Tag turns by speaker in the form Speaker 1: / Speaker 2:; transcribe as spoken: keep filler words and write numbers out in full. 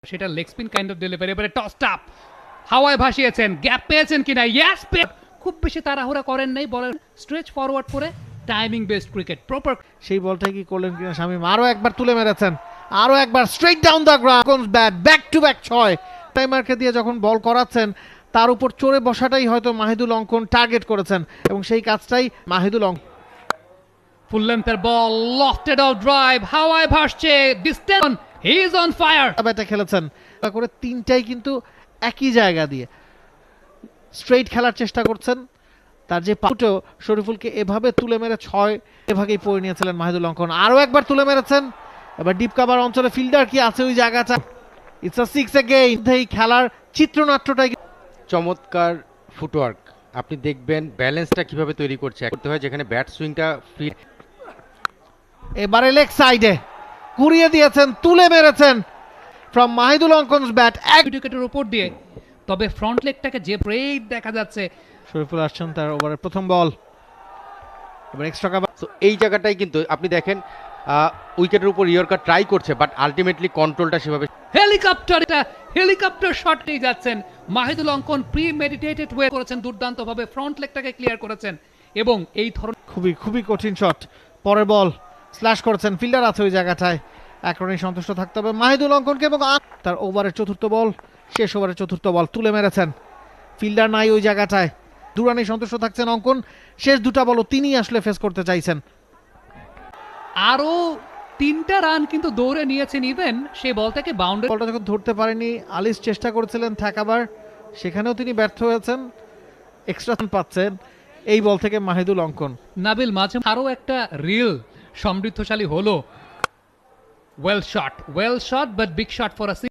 Speaker 1: সেটা leg spin kind of delivery, এবারে tossed up হাওয়ায় ভাসিয়েছেন, গ্যাপ পেয়েছেন কিনা, ইয়েস, খুব বেশি তাড়াহুড়া করেন নাই, বলেন স্ট্রেচ ফরওয়ার্ড করে টাইমিং বেসড ক্রিকেট প্রপার।
Speaker 2: সেই বলটা কি করলেন কিনা শামীম, আরো একবার তুলে মেরেছেন, আরো একবার straight down the ground, bat back to back ছয়। টাইমারকে দিয়ে যখন বল করাচ্ছেন তার উপর চড়ে বসাটাই হয়তো মাহিদুল অঙ্কন টার্গেট করেছেন এবং সেই কাজটাই মাহিদুল অঙ্কন।
Speaker 1: ফুল লেন্থের বল, লফটেড আউট ড্রাইভ, হাওয়ায় ভাসছে, distance, he is on fire.
Speaker 2: ব্যাটে খেলেছেন করে তিনটাই কিন্তু একই জায়গা দিয়ে স্ট্রেইট খেলার চেষ্টা করছেন। তার যে পাউটেও শরীফুলকে এভাবে তুলে মেরে ছয় এভাবেই পড়ে নিয়েছিলেন মাহিদুল অঙ্কন, আরও একবার তুলে মেরেছেন। এবার ডিপ কাভার অঞ্চলে ফিল্ডার কি আছে ওই জায়গাটা, ইটস আ সিক্স এগেইন। এই খেলার চিত্রনাট্যটাই
Speaker 3: চমৎকার ফুটওয়ার্ক। আপনি দেখবেন ব্যালেন্সটা কিভাবে তৈরি করছে করতে হয়, যেখানে ব্যাট সুইংটা ফ্রি।
Speaker 2: এবারে লেগ সাইডে কুড়িয়ে দিয়েছেন, তুলে মেরেছেন ফ্রম মাহিদুল অঙ্কনস ব্যাট এক
Speaker 1: উইকেটের উপর দিয়ে, তবে ফ্রন্ট লেগটাকে যে ব্রেক দেখা যাচ্ছে।
Speaker 2: শরীফুল আসছেন তার ওভারের প্রথম বল, এবার এক্সট্রা কাভার।
Speaker 3: তো এই জায়গাটাই কিন্তু আপনি দেখেন উইকেটের উপর ইয়র্কার ট্রাই করছে, বাট আলটিমেটলি কন্ট্রোলটা সেভাবে।
Speaker 1: হেলিকপ্টার, এটা হেলিকপ্টার শট নিয়ে যাচ্ছেন মাহিদুল অঙ্কন, প্রি মেডিটেটেড ওয়ে করেছেন, দুর্দান্তভাবে ফ্রন্ট লেগটাকে ক্লিয়ার করেছেন এবং এই ধরনের
Speaker 2: খুবই খুবই কঠিন শট। পরের বল স্ল্যাশ করেছেন, ফিল্ডার আছে ওই জায়গাটায়, এক রানেই সন্তুষ্ট থাকতে হবে মাহিদুল অঙ্কনকে এবং তার ওভারের চতুর্থ বল, শেষ ওভারের চতুর্থ বল তুলে মেরেছেন, ফিল্ডার নাই ওই জায়গাটায়, দু রানেই সন্তুষ্ট থাকছেন অঙ্কন। শেষ দুটা বলও তিনি আসলে ফেস করতে চাইছেন।
Speaker 1: আরো তিনটা রান কিন্তু দৌড়ে নিয়েছেন, ইভেন সেই বলটাকে বাউন্ডারি।
Speaker 2: বলটা যখন ধরতে পারেনি আলিস চেষ্টা করেছিলেন ঠেকাবার, সেখানেও তিনি ব্যর্থ হয়েছেন, এক্সট্রা রান পাচ্ছেন এই বল থেকে মাহিদুল অঙ্কন।
Speaker 1: নাবিল মাঝে আরো একটা রিল সমৃদ্ধশালী হলো। Well shot, well shot but big shot for a